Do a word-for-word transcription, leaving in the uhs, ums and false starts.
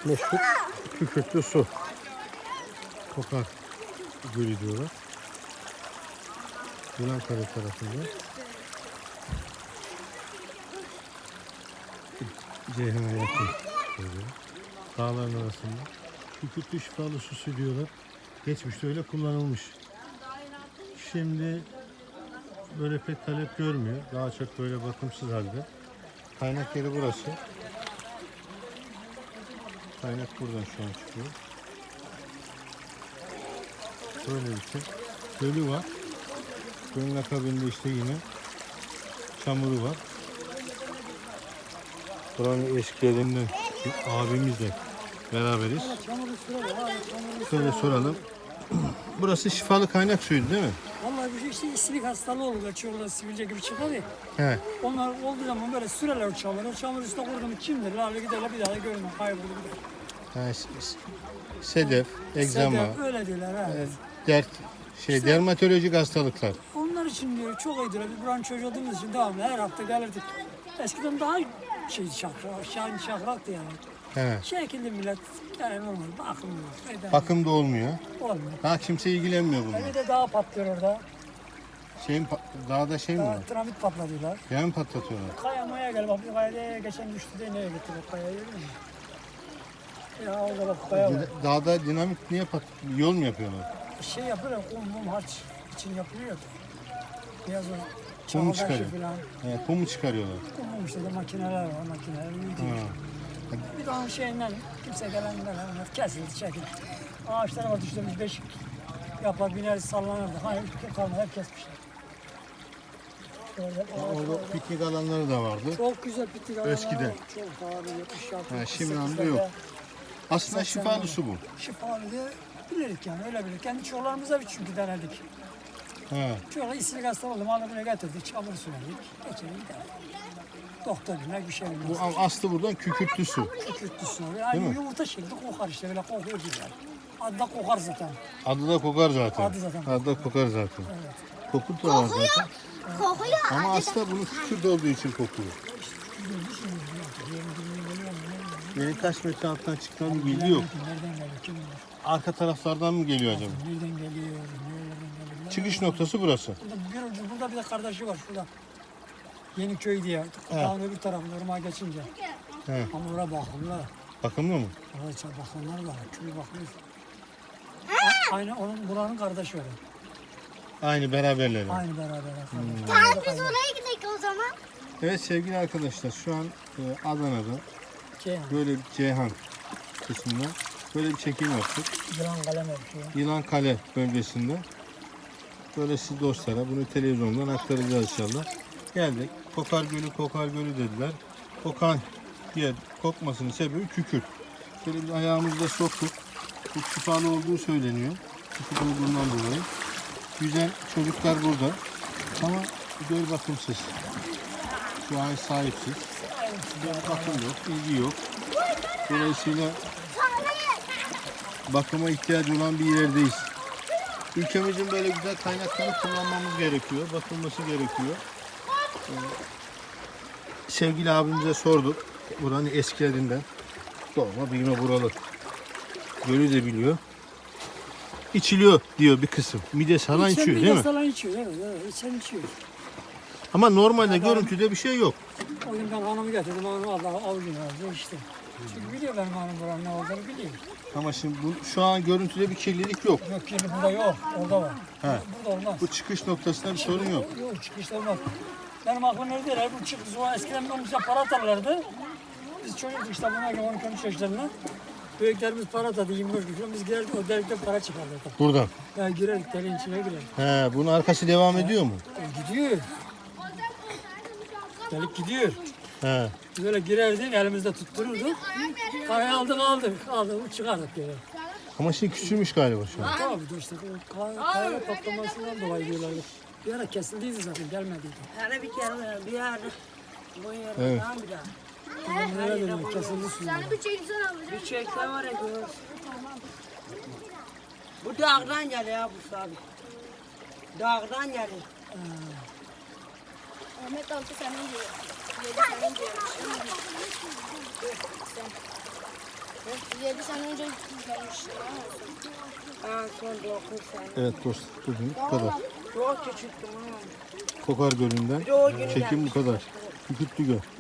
meşhur kükürtlü su. Kokar Gölü diyorlar. Yılankale tarafında. Ceyhan'a yakın. Böyle. Dağların arasında. Kükürtlü şifalı su diyorlar. Geçmişte öyle kullanılmış. Şimdi böyle pek talep görmüyor. Daha çok böyle bakımsız halde. Kaynak yeri burası. Kaynak buradan şu an çıkıyor. Böyle bir şey. Gölü var. Gölün akabinde işte yine çamuru var. Buranın eski yerinden abimizle beraberiz. Şöyle soralım. Burası şifalı kaynak suyu değil mi? Vallahi bir şey işte isilik hastalığı oluyor. Çorla sivilce gibi çıkar ya. He. Onlar olduğu zaman böyle süreler o çamuru. O çamur üstüne kurdu mu kimdir? Lale giderler bir daha da görünmez. Kaybolur gider. Ha, sedef, egzama, Sedef, öyle diyorlar ha. e, dert, şey İşte- dermatolojik hastalıklar. Onlar için diyor çok iyidir. Biz buranın çocuğu olduğumuz için devamlı her hafta gelirdik. Eskiden daha şey şakra, şahin şakraktı yani. He. Şekilli millet yani normal bakımlı. Eden- Bakım da olmuyor. Olmuyor. Daha kimse ilgilenmiyor bununla. Bir de daha patlıyor orada. Şeyin pa- dağda şey mi Daha var? tramit patladılar. Yağ mı patlatıyorlar? Kaya maya gel bak bir kaya geçen düştü de neye gitti bak kaya görüyor musun? Ya orada bak kaya var. Dağda dinamit niye pat yol mu yapıyorlar? Şey yapıyorlar kum mum harç için yapılıyor. Biraz o Kum mu çamaşır çıkarıyor? falan. He, kum mu çıkarıyorlar? Kum mum işte de makineler var makineler büyütüyor. Ha. Bir de onun şeyinden kimse gelenler onlar kesildi çekildi. Ağaçlara var düştürmüş beşik yapar biner sallanırdı. Hayır kim kalmadı hep kesmişler. Şöyle Orada ağaçlar- piknik alanları da vardı. Çok güzel bitti alanlar. Eskiden. Çok pahalı yetmiş altı. Ha, şimdi yetmiş anda sekizlerde yok. Aslında seksen şifalı lira. su bu. Şifalı diye bilirdik yani öyle bilirdik. Kendi çocuklarımıza bir çünkü denerdik. Ha. Çocuklar isilik hasta oldu. Malı buraya getirdik. Çamur süredik. Geçelim gidelim. Doktor bilmek bir şey bilmez. Bu aslı buradan kükürtlü su. Kükürtlü su. Yani mi? yumurta şekli kokar işte böyle kokuyor güzel. Adı da kokar zaten. Adı da kokar zaten. Adı zaten. Adı da kokar zaten. Evet. Kokut da var zaten. Kokuyor. Ama aslında bunun kükürt olduğu için kokuyor. Benim kaç metre alttan çıktığını bir bilgi yok. Nereden geliyor? Kim bilir? Arka taraflardan mı geliyor acaba? Nereden geliyor? Nereden geliyor? Çıkış noktası burası. Burada bir ucu, burada bir de kardeşi var şurada. Yeniköy diye. Dağın öbür tarafında ırmağa geçince. He. Ama oraya bakımlar. Bakımlı mı? Oraya çok bakımlar var. Köy bakıyor. Aynı onun buranın kardeşi var. Aynı beraberleri. Aynı beraber. Hmm. Tamam biz oraya gidelim o zaman. Evet sevgili arkadaşlar şu an e, Adana'da Şey, böyle bir Ceyhan kısmında böyle bir çekim yaptık. yılan kalem yapıyor. Yılan Kale bölgesinde. Böyle siz dostlara bunu televizyondan aktaracağız inşallah. Geldik. Kokar Gölü, Kokar Gölü dediler. Kokan yer, kokmasının sebebi kükürt. Şöyle bir ayağımızda soktuk. Bu şifalı olduğu söyleniyor. Kükürt olduğundan dolayı. Güzel çocuklar burada. Ama göl bakımsız. Şu an sahipsiz. Bakım yok, ilgi yok. Dolayısıyla bakıma ihtiyacı olan bir yerdeyiz. Ülkemizin böyle güzel kaynaklarını kullanmamız gerekiyor. Bakılması gerekiyor. Ee, sevgili abimize sorduk. Buranın eskilerinden. Doğma büyüme buralı. Gölü de biliyor. İçiliyor diyor bir kısım. Mide salan içiyor değil mi? Salan içiyor. Evet, evet. İçen içiyor. Ama normalde görüntüde bir şey yok. O gün ben hanımı getirdim. Hanım Allah avucunu aldı işte. Çünkü biliyor benim hanım buranın ne olduğunu biliyor. Ama şimdi bu, şu an görüntüde bir kirlilik yok. Yok kirli burada yok. Orada var. He. Burada olmaz. Bu çıkış noktasında bir sorun yok. Yok çıkışta olmaz. Benim aklım neredeydi? Bu çıkış zaman eskiden ben bize para atarlardı. Biz çocuktuk işte buna göre on iki on üç yaşlarında. Büyüklerimiz para atadı yirmi beş gün. Biz girerdik o delikten para çıkardık. Buradan. Yani girerdik deliğin içine girerdik. He, bunun arkası devam ediyor mu? E, gidiyor. Delik gidiyor. He. Biz öyle girerdik elimizde tuttururduk. Parayı aldık aldık aldık çıkardık geri. Ama şey küçülmüş galiba şu an. Tabii de işte o kay- kayra patlamasından dolayı diyorlardı. Bir ara kesildiydi zaten gelmediydi. Hani bir kere bir yer bu yer Evet. tamam bir daha. Nereye dönüyor kesildi suyu. Yani bir çeksen alacağım. Bir çekse var ya görürsün. Bu dağdan geliyor ya bu abi. Dağdan geliyor. Ahmet altı senin diyor. Yedi senin diyor. Yedi sene önce gelmiştim. Ha son dokuz sene. Evet dostlar bugün bu kadar. Çok küçüktüm ha. Kokar Gölü'nden Bir de o günü çekim bu gelmiştim. kadar. Kükürtlü Göl.